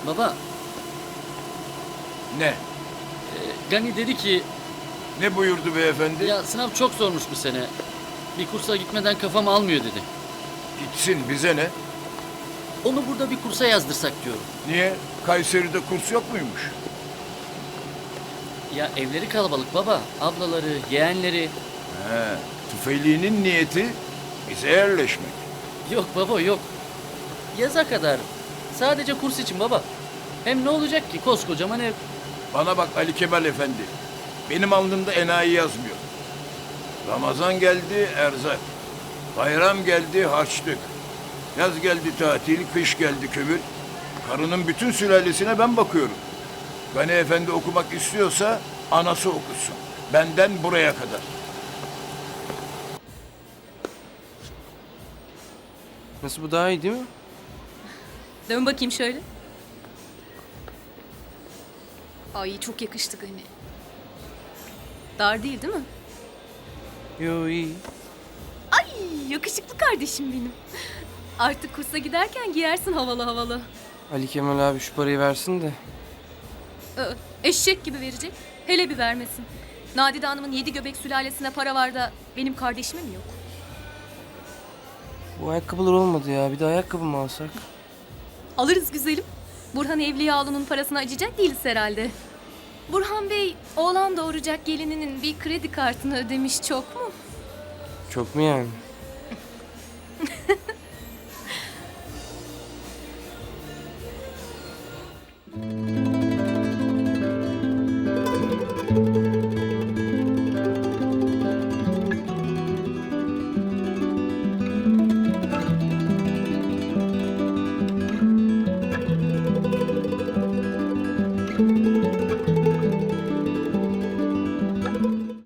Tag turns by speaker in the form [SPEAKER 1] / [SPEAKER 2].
[SPEAKER 1] Baba,
[SPEAKER 2] Ne?
[SPEAKER 1] Gani dedi ki
[SPEAKER 2] Ne buyurdu beyefendi?
[SPEAKER 1] ya sınav çok zormuş bu sene. Bir kursa gitmeden kafam almıyor dedi.
[SPEAKER 2] Gitsin, bize ne?
[SPEAKER 1] Onu burada bir kursa yazdırsak diyorum.
[SPEAKER 2] Niye? Kayseri'de kurs yok muymuş?
[SPEAKER 1] Ya evleri kalabalık baba. Ablaları, yeğenleri.
[SPEAKER 2] He, tüfeğliğinin niyeti bize yerleşmek.
[SPEAKER 1] Yok baba yok. Yaza kadar. Sadece kurs için baba. Hem ne olacak ki koskocaman ev.
[SPEAKER 2] Bana bak Ali Kemal Efendi. Benim alnımda enayi yazmıyor. Ramazan geldi erzak. Bayram geldi harçlık. Yaz geldi tatil, kış geldi kömür. Karının bütün sülalesine ben bakıyorum. Gani Efendi okumak istiyorsa anası okusun. Benden buraya kadar.
[SPEAKER 3] Nasıl, bu daha iyi değil mi?
[SPEAKER 4] Dön bakayım şöyle. Ay çok yakıştı Gani. Dar değil mi?
[SPEAKER 3] Yo, iyi.
[SPEAKER 4] Ay yakışıklı kardeşim benim. Artık kursa giderken giyersin havalı havalı.
[SPEAKER 3] Ali Kemal abi şu parayı versin de.
[SPEAKER 4] Eşek gibi verecek. Hele bir vermesin. Nadide Hanım'ın 7 göbek sülalesine para var da benim kardeşime mi yok?
[SPEAKER 3] Bu ayakkabılar olmadı ya. Bir de ayakkabı mı alsak?
[SPEAKER 4] Alırız güzelim. Burhan Evliyaoğlu'nun parasına acıyacak değiliz herhalde. Burhan Bey oğlan doğuracak gelininin bir kredi kartını ödemiş çok mu?
[SPEAKER 3] Çok mu yani?